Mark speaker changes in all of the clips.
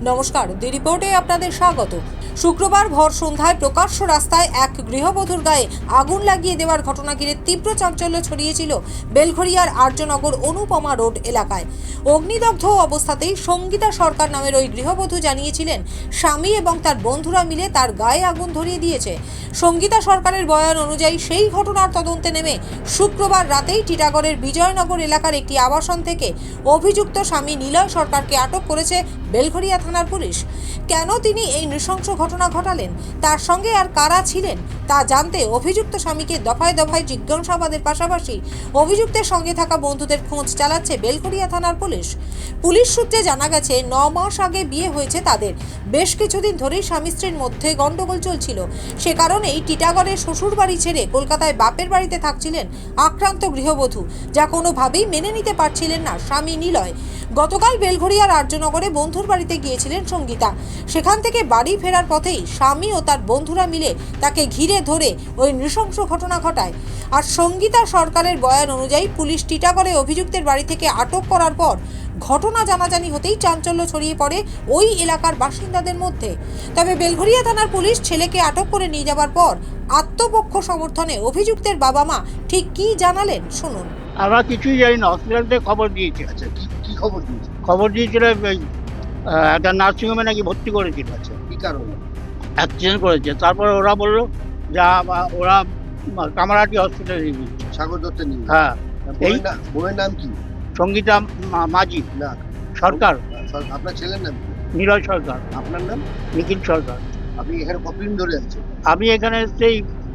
Speaker 1: নমস্কার, দি রিপোর্টে আপনাদের স্বাগত। শুক্রবার ভর সন্ধ্যায় প্রকাশ্য রাস্তায় এক গৃহবধূর গায়ে আগুন লাগিয়ে দেওয়ার ঘটনা ঘিরে তীব্র চাঞ্চল্য ছড়িয়েছিল বেলঘরিয়ার আর্যনগর অনুপমা রোড এলাকায়। অগ্নিদগ্ধ অবস্থাতেই সঙ্গীতা সরকার নামের ওই গৃহবধূ জানিয়েছিলেন স্বামী এবং তার বন্ধুরা মিলে তার গায়ে আগুন ধরিয়ে দিয়েছে। সঙ্গীতা সরকারের বয়ান অনুযায়ী সেই ঘটনার তদন্তে নেমে শুক্রবার রাতেই টিটাগড়ের বিজয়নগর এলাকার একটি আবাসন থেকে অভিযুক্ত স্বামী নিলয় সরকারকে আটক করেছে বেলঘরিয়া থানার পুলিশ। কেন তিনি এই নৃশংস ঘটনা ঘটালেন, তার সঙ্গে আর কারা ছিলেন তা জানতে অভিযুক্ত স্বামীকে দফায় দফায় জিজ্ঞাসাবাদের পাশাপাশি অভিযুক্তের সঙ্গে থাকা বন্ধুদের খোঁজ চালাচ্ছে বেলঘরিয়া থানার পুলিশ। পুলিশ সূত্রে জানা গেছে 9 মাস আগে বিয়ে হয়েছে তাদের। বেশ কিছুদিন ধরেই স্বামী স্ত্রীর মধ্যে গন্ডগোল চলছিল। সে কারণেই টিটাগড়ের শ্বশুর বাড়ি ছেড়ে কলকাতায় বাপের বাড়িতে থাকছিলেন আক্রান্ত গৃহবধূ, যা কোনোভাবেই মেনে নিতে পারছিলেন না স্বামী নিলয়। গতকাল বেলঘরিয়ার আর্যনগরে বন্ধুর বাড়িতে গিয়েছিলেন সঙ্গীতা। সেখান থেকে বাড়ি ফেরার পথেই স্বামী ও তার বন্ধুরা মিলে তাকে ঘিরে ধরে ওই নৃশংস ঘটনা ঘটায়। আর সঙ্গীতা সরকারের বয়ান অনুযায়ী পুলিশ টিটাগড়ে অভিযুক্তের বাড়ি থেকে আটক করার পর ঘটনা জানাজানি হতেই চাঞ্চল্য ছড়িয়ে পড়ে ওই এলাকার বাসিন্দাদের মধ্যে। তবে বেলঘরিয়া থানার পুলিশ ছেলেকে আটক করে নিয়ে যাওয়ার পর আত্মপক্ষ সমর্থনে অভিযুক্তের বাবা মা ঠিক কী জানালেন শুনুন।
Speaker 2: আমরা কিছুই জানি না, হসপিটাল থেকে খবর দিয়েছে।
Speaker 3: আচ্ছা, কি খবর দিয়েছে?
Speaker 2: খবর দিয়েছিল একটা নার্সিংহোমে নাকি ভর্তি করেছিল।
Speaker 3: আচ্ছা, কি কারণে?
Speaker 2: অ্যাক্সিডেন্ট করেছে। তারপরে ওরা বললো যা ওরা কামারহাটি হসপিটালে নিয়ে গেছে।
Speaker 3: সাগর দত্তের নিয়ে?
Speaker 2: হ্যাঁ। এই
Speaker 3: বউয়ের নাম কি?
Speaker 2: সঙ্গীতা মাঝি
Speaker 3: না
Speaker 2: সরকার।
Speaker 3: আপনার ছেলের নাম কি?
Speaker 2: নিলয় সরকার।
Speaker 3: আপনার নাম?
Speaker 2: নিখিল সরকার।
Speaker 3: আপনি এখানে কতদিন ধরে আছেন?
Speaker 2: আমি এখানে সেই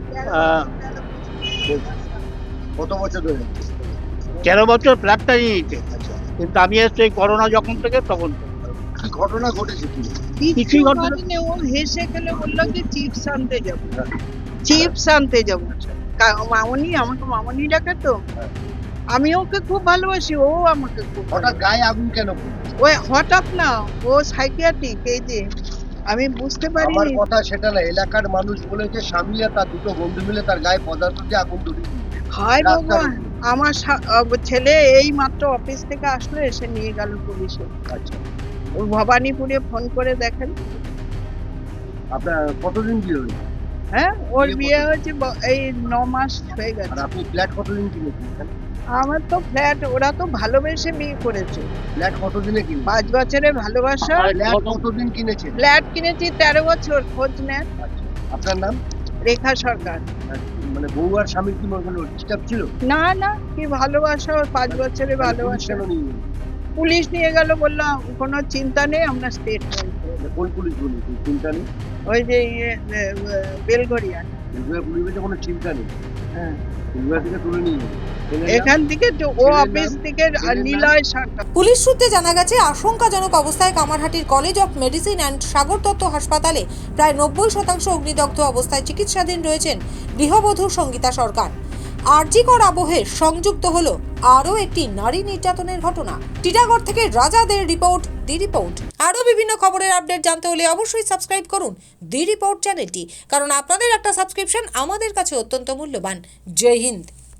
Speaker 3: কত বছর ধরে আছেন?
Speaker 2: 13 বছর ফ্ল্যাটটা নিয়ে নিতে।
Speaker 3: আচ্ছা,
Speaker 2: কিন্তু আমি এসছি করোনা যখন থেকে তখন থেকে।
Speaker 3: কি ঘটনা ঘটেছে কি?
Speaker 2: কিছুই ঘটনা
Speaker 4: ও হেসে খেলে বললো কি চিপস আনতে যাবো, চিপস আনতে যাবো। মামনি, আমাকে মামনি ডাকে তো। আমি ওকে খুব ভালোবাসি, ও আমাকে খুব
Speaker 3: হঠাৎ গায়ে আগুন কেন পড়লো?
Speaker 4: ওই হঠাৎ না, ও সাইকিয়াট্রিক, এই যে আমি বুঝতে পারি।
Speaker 3: আমার কথা সেটা না, এলাকার মানুষ বলেছে স্বামী আর তার দুটো বন্ধু মিলে তার গায়ে পদার্থ দিয়ে আগুন ধরিয়ে দিয়েছে।
Speaker 4: হায় ভগবান, আমার ছেলে এই মাত্র অফিস থেকে আসলো, এসে নিয়ে গেল পুলিশে।
Speaker 3: আচ্ছা,
Speaker 4: ওর ভবানীপুরে ফোন করে দেখেন।
Speaker 3: আপনার কতদিন বিয়ে হয়েছে?
Speaker 4: হ্যাঁ, ওর বিয়ে হয়েছে এই 9 মাস হয়ে
Speaker 3: আর
Speaker 4: গেছে।
Speaker 3: আপনি ফ্ল্যাট কতদিন কিনেছেন?
Speaker 4: আমার তো ফ্ল্যাট, ওরা তো ভালোবেসে বিয়ে করেছে।
Speaker 3: ফ্ল্যাট কতদিনে কিনেছেন?
Speaker 4: 5 বছরের ভালোবাসা।
Speaker 3: ফ্ল্যাট কতদিন কিনেছেন?
Speaker 4: ফ্ল্যাট কিনেছি 13 বছর, খোঁজ নেন।
Speaker 3: আচ্ছা, আপনার নাম?
Speaker 4: রেখা সরকার।
Speaker 3: মানে বউ আর স্বামী কি কোনো ডিস্টার্ব ছিল?
Speaker 4: না না, কি ভালোবাসা, ওর 5 বছরের ভালোবাসা।
Speaker 3: কেন নিয়ে গেল?
Speaker 4: পুলিশ নিয়ে গেল, বললাম কোনো চিন্তা নেই, আমরা স্টেটমেন্ট।
Speaker 3: কোন পুলিশ বলি? চিন্তা নেই?
Speaker 4: ওই যে বেলঘরিয়া।
Speaker 3: পুলিশে কোনো চিন্তা নেই?
Speaker 4: হ্যাঁ,
Speaker 3: বেলঘরিয়া থেকে তুলে নিয়ে গেল।
Speaker 4: এখান থেকে তো ও অফিস থেকে নিলয় সরকার।
Speaker 1: পুলিশ সূত্রে জানা গেছে আশঙ্কাজনক অবস্থায় কামারহাটির college of medicine and Sagar Dutta হাসপাতালে প্রায় 90% অগ্নিদগ্ধ অবস্থায় চিকিৎসাধীন রয়েছেন গৃহবধূ সঙ্গীতা সরকার। আরজিকর আবহে সংযুক্ত হলো আরও একটি নারী নির্যাতনের ঘটনা। টিটাগড় থেকে রাজাদের রিপোর্ট, দি রিপোর্ট। আরও বিভিন্ন খবরের আপডেট জানতে হলে অবশ্যই সাবস্ক্রাইব করুন দি রিপোর্ট চ্যানেলটি, কারণ আপনাদের একটা সাবস্ক্রিপশন আমাদের কাছে অত্যন্ত মূল্যবান। জয় হিন্দ।